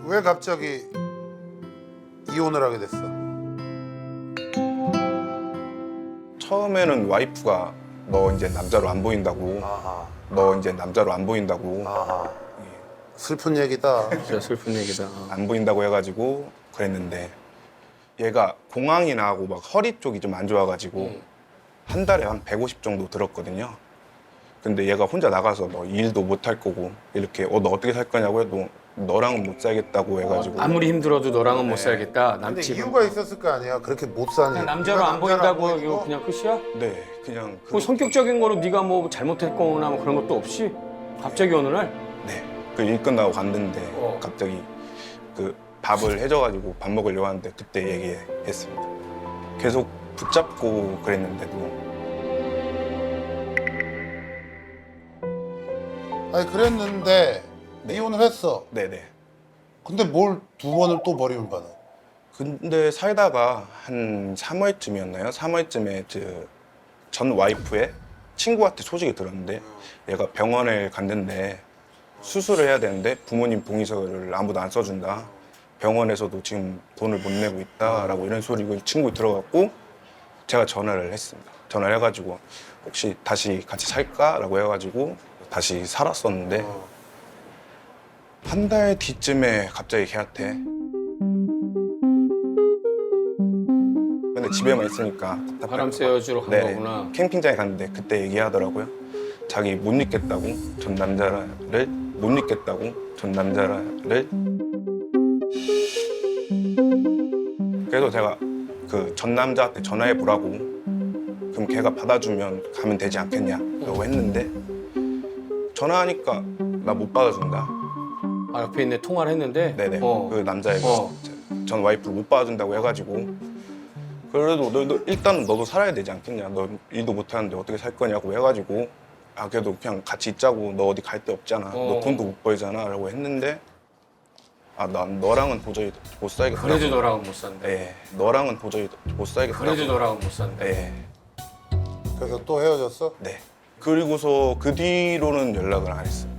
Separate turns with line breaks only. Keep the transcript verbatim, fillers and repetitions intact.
왜 갑자기 이혼을 하게 됐어?
처음에는 와이프가 너 이제 남자로 안 보인다고
아하.
너 이제 남자로 안 보인다고
아하. 슬픈 얘기다.
진짜 슬픈 얘기다.
안 보인다고 해가지고 그랬는데 얘가 공황이 나고 막 허리 쪽이 좀 안 좋아가지고
음.
한 달에 한 백오십 정도 들었거든요. 근데 얘가 혼자 나가서 너 일도 못 할 거고 이렇게 어 너 어떻게 살 거냐고 해도 너랑은 못 살겠다고 해가지고
아무리 힘들어도 너랑은 못
네.
살겠다.
근데
남친.
이유가 있었을 거 아니야. 그렇게 못 사는.
그냥 남자로
네가
안
남자로
보인다고
보이고
이거 그냥 끝이야?
네 그냥 그,
뭐 성격적인 거로 네가 뭐 잘못했거나 뭐 그런 것도 없이 갑자기 어느 날
네, 그 일 끝나고 갔는데
어.
갑자기 그 밥을 해줘가지고 밥 먹으려고 하는데 그때 얘기했습니다. 계속 붙잡고 그랬는데도
아니 그랬는데
네.
이혼을 했어.
네네.
근데 뭘 두 번을 또 버림을 받아?
근데 살다가 한 삼 월쯤이었나요? 삼 월쯤에 전 와이프의 친구한테 소식이 들었는데 얘가 병원에 갔는데 수술을 해야 되는데 부모님 동의서를 아무도 안 써준다. 병원에서도 지금 돈을 못 내고 있다라고 이런 소리가 친구 들어갔고 제가 전화를 했습니다. 전화를 해가지고 혹시 다시 같이 살까라고 해가지고 다시 살았었는데
어.
한 달 뒤쯤에 갑자기 걔한테 근데 집에만 있으니까 답답할
바람
거
쐬어주러 간
네,
거구나.
캠핑장에 갔는데 그때 얘기하더라고요. 자기 못 잊겠다고 전 남자를 못 잊겠다고 전 남자를 그래서 제가 그 전 남자한테 전화해 보라고 그럼 걔가 받아주면 가면 되지 않겠냐라고 했는데 전화하니까 나 못 받아준다.
아, 옆에 있네 통화를 했는데.
네네.
어.
그 남자애가
어.
전 와이프를 못 받아준다고 해가지고 그래도 너, 너 일단은 너도 살아야 되지 않겠냐. 너 일도 못하는데 어떻게 살 거냐고 해가지고 아 그래도 그냥 같이 있자고. 너 어디 갈 데 없잖아.
어.
너 돈도 못 벌잖아 라고 했는데 아 난 너랑은 도저히 못 살겠다.
그래도 너랑은 못 산다.
네. 너랑은 도저히 못 살겠다.
그래도 너랑은 못 산다.
네.
그래서 또 헤어졌어?
네. 그리고서 그 뒤로는 연락을 안 했어요.